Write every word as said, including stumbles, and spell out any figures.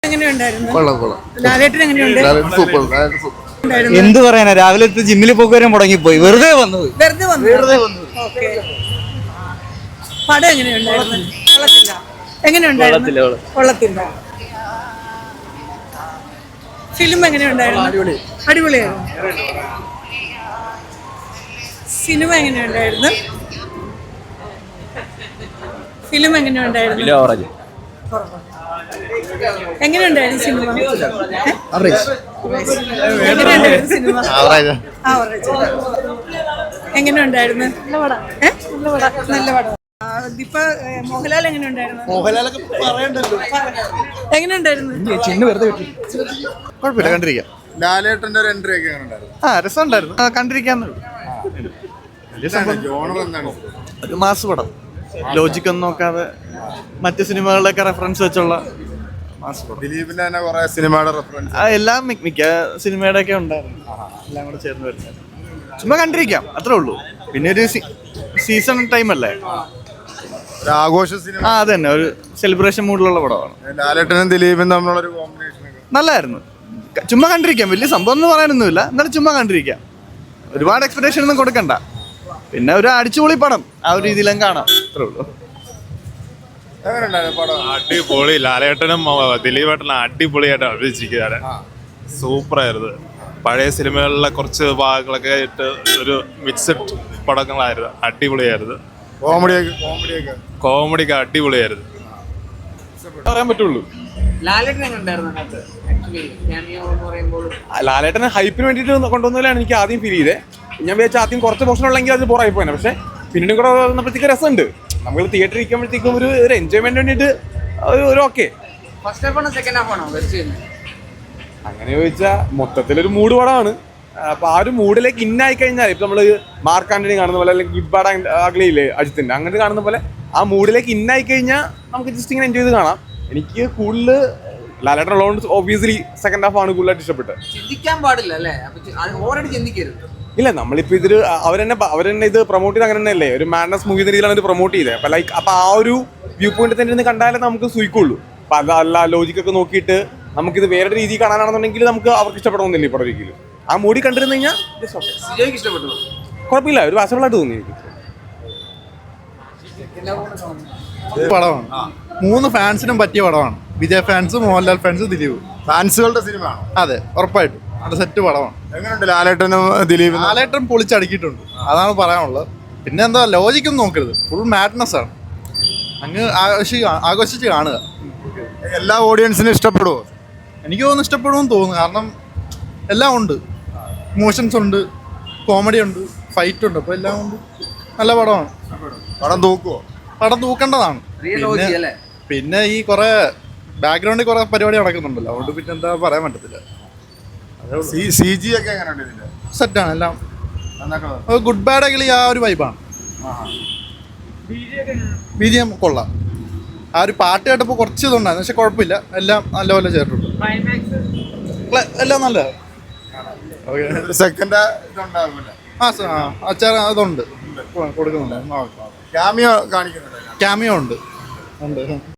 എന്ത് പറയാനാ, രാവിലെ ജിമ്മിൽ പോകാൻ മുടങ്ങിപ്പോയി, വെറുതെ വന്നു വെറുതെ വന്നു. പടം എങ്ങനെയുണ്ടായിരുന്നു? എങ്ങനെയുണ്ടായിരുന്നു? കൊള്ളത്തില്ല. ഫിലിം എങ്ങനെയുണ്ടായിരുന്നു? അടിപൊളിയായിരുന്നു. സിനിമ എങ്ങനെയുണ്ടായിരുന്നു? ഫിലിം എങ്ങനെയുണ്ടായിരുന്നു? എങ്ങനെയുണ്ടായിരുന്നു സിനിമ? എങ്ങനെയുണ്ടായിരുന്നു സിനിമ? എങ്ങനെയുണ്ടായിരുന്നു? നല്ല പടം. ഇപ്പൊ മോഹൻലാൽ എങ്ങനെയുണ്ടായിരുന്നു? മോഹൻലാലൊക്കെ പറയണ്ടല്ലോ. എങ്ങനെയുണ്ടായിരുന്നു? കുഴപ്പമില്ല, കണ്ടിരിക്കാം. ലാലേട്ടന്റെ ഒരു എൻട്രി ഒക്കെ ഉണ്ടായിരുന്നു. ആ രസമുണ്ടായിരുന്നു, കണ്ടിരിക്കാന്ന്. ഒരു മാസ് പടം, ലോജിക് ഒന്നും നോക്കാതെ മറ്റു സിനിമകളിലൊക്കെ റെഫറൻസ് വെച്ചുള്ള മാസ് പടം. ദിലീപിന്റെ തന്നെ കുറെ സിനിമയുടെ റെഫറൻസ് എല്ലാം മിക്ക സിനിമയുടെ ഒക്കെ ഉണ്ടായിരുന്നു, എല്ലാം കൂടെ ചേർന്ന് വരുന്നത്. ചുമ്മാ കണ്ടിരിക്കാം, അത്രേ ഉള്ളൂ. പിന്നെ ഒരു സീസൺ ടൈം അല്ലേ, ആഘോഷ സിനിമ. ആ അത് തന്നെ, ഒരു സെലിബ്രേഷൻ മൂഡിലുള്ള പടമാണ്. ലാലേട്ടനും ദിലീപും തമ്മിലുള്ള ഒരു കോമ്പിനേഷൻ നല്ലായിരുന്നു. ചുമ്മാ കണ്ടിരിക്കാം, വലിയ സംഭവം എന്ന് പറയാനൊന്നുമില്ല, എന്നാലും ചുമ്മാ കണ്ടിരിക്കാം. ഒരുപാട് എക്സ്പെക്ടേഷൻ ഒന്നും കൊടുക്കണ്ട. പിന്നെ ഒരു അടിച്ചുപൊളി പടം, ആ ഒരു രീതിയിലും കാണാം, അത്രേ ഉള്ളൂ. അടിപൊളി. ലാലേട്ടനും ദിലീപേട്ടനും അടിപൊളിയായിട്ട് അഭിനയിച്ചിരിക്കുകയാണ്. സൂപ്പറായിരുന്നു. പഴയ സിനിമകളിലെ കുറച്ച് ഭാഗങ്ങളൊക്കെ ആയിട്ട് ഒരു മിക്സഡ് പടങ്ങളായിരുന്നു. അടിപൊളിയായിരുന്നു. കോമഡിയൊക്കെ കോമഡിയൊക്കെ കോമഡിയൊക്കെ അടിപൊളിയായിരുന്നു. പറയാൻ പറ്റുള്ളൂ. ലാലേട്ടനെ ഹൈപ്പിന് വേണ്ടിയിട്ട് കൊണ്ടുവന്നതിലാണ് എനിക്ക് ആദ്യം ഫീൽ ചെയ്തത്. ഞാൻ വിചാരിച്ച ആദ്യം കുറച്ച് പോർഷൻ ഉള്ളെങ്കിൽ അത് ബോറായി പോയാണ്. പക്ഷെ പിന്നീട് കൂടെ വന്നപ്പോഴത്തേക്ക് രസമുണ്ട്. നമ്മൾ തിയേറ്ററിൽ ഇരിക്കുമ്പോഴത്തേക്കും ഒരു ഒരു എൻജോയ്മെന്റ് വേണ്ടിയിട്ട് ഒരു ഓക്കെ. അങ്ങനെ ചോദിച്ചാൽ മൊത്തത്തിലൊരു മൂഡ് പടമാണ്. അപ്പൊ ആ ഒരു മൂഡിലേക്ക് ഇന്നായി കഴിഞ്ഞാൽ ഇപ്പൊ നമ്മള് മാർക്ക് ആന്റണി കാണുന്ന പോലെ, അല്ലെങ്കിൽ ഗുഡ് ബാഡ് അഗ്ലിയില്ലേ അജിത്തിന്റെ, അങ്ങനെ കാണുന്ന പോലെ ആ മൂഡിലേക്ക് ഇന്നായി കഴിഞ്ഞാൽ നമുക്ക് ജസ്റ്റ് ഇങ്ങനെ എൻജോയ് ചെയ്ത് കാണാം. എനിക്ക് കൂടുതൽ ലാലേട്ടൻ ഉള്ളതുകൊണ്ട് ഒബ്വിയസ്ലി സെക്കൻഡ് ഹാഫ് ആണ് കൂടുതലായിട്ട് ഇഷ്ടപ്പെട്ടത്. ചിന്തിക്കാൻ പാടില്ല അല്ലേ? ചിന്തിക്കരുത്. ഇല്ല, നമ്മളിപ്പോ ഇതിൽ അവരെന്നെ അവരെന്നെ ഇത് പ്രൊമോട്ട് ചെയ്ത് അങ്ങനെ തന്നെയല്ലേ, ഒരു മാഡ്നസ് മൂവി എന്ന രീതിയിലാണ് ഇത് പ്രൊമോട്ട് ചെയ്തത്. അപ്പൊ ലൈക്ക് അപ്പൊ ആ ഒരു വ്യൂ പോയിന്റ് തന്നെ ഇരുന്ന് കണ്ടാലേ നമുക്ക് സുഖിക്കുള്ളൂ. അപ്പൊ അതല്ല ലോജിക്കൊക്കെ നോക്കിയിട്ട് നമുക്കിത് വേറെ രീതി കാണാനാണെന്നുണ്ടെങ്കിൽ നമുക്ക് അവർക്ക് ഇഷ്ടപ്പെടണമെന്നില്ല. ഇപ്പോൾ ഒരിക്കലും ആ മൂടി കണ്ടിരുന്നു കഴിഞ്ഞാൽ ഇഷ്ടപ്പെട്ടു, കുഴപ്പമില്ല, ഒരു വാസബിളായിട്ട് തോന്നി എനിക്ക്. പടമാണ്, മൂന്ന് ഫാൻസിനും പറ്റിയ പടമാണ്. വിജയ് ഫാൻസ്, മോഹൻലാൽ ഫാൻസ്, ദിലീപ് ഫാൻസുകളുടെ സിനിമയാണ്. അതെ, ഉറപ്പായിട്ടും അത് സെറ്റ് പടമാണ്. എങ്ങനെയുണ്ട് ലാലേട്ടനും ദിലീപും? ലാലേട്ടൻ പൊളിച്ചടുക്കിയിട്ടുണ്ട്, അതാണ് പറയാനുള്ളത്. പിന്നെ എന്താ, ലോജിക്കൊന്നും നോക്കരുത്, ഫുൾ മാഡ്നസ് ആണ്. അങ്ങ് ആഘോഷി ആഘോഷിച്ച് കാണുക. എല്ലാ ഓഡിയൻസിനും ഇഷ്ടപ്പെടുമോ? എനിക്ക് തോന്നുന്നു ഇഷ്ടപ്പെടുമെന്ന് തോന്നുന്നു. കാരണം എല്ലാം ഉണ്ട്, ഇമോഷൻസ് ഉണ്ട്, കോമഡി ഉണ്ട്, ഫൈറ്റ് ഉണ്ട്, അപ്പോൾ എല്ലാം ഉണ്ട്. നല്ല പടമാണ്. പടം തൂക്കുമോ? പടം തൂക്കേണ്ടതാണ്. പിന്നെ പിന്നെ ഈ കുറെ ബാക്ക്ഗ്രൗണ്ടിൽ കുറെ പരിപാടി നടക്കുന്നുണ്ടല്ലോ, അതുകൊണ്ട് പിന്നെ എന്താ പറയാൻ പറ്റത്തില്ല. സി ജി ഒക്കെ എങ്ങനെയുണ്ട് ഇതിന്റെ? സെറ്റാണ് എല്ലാം. ഗുഡ് ബാഡ് അഗ്ലി ആ ഒരു വൈബാണ്. ബി ജി എം കൊള്ളാം. ആ ഒരു പാട്ട് കേട്ടപ്പോൾ കുറച്ച് ഇതുണ്ടായിരുന്നു, പക്ഷെ കുഴപ്പമില്ല, എല്ലാം നല്ലപോലെ ചേർത്തിട്ടുണ്ട്. എല്ലാം നല്ല സെക്കൻഡ് ഇതുണ്ടാവില്ല. ആ അച്ചാർ അതുണ്ട്, കൊടുക്കുന്നുണ്ട്. ക്യാമിയോ കാണിക്കുന്നുണ്ട്. ക്യാമിയോ ഉണ്ട് ഉണ്ട്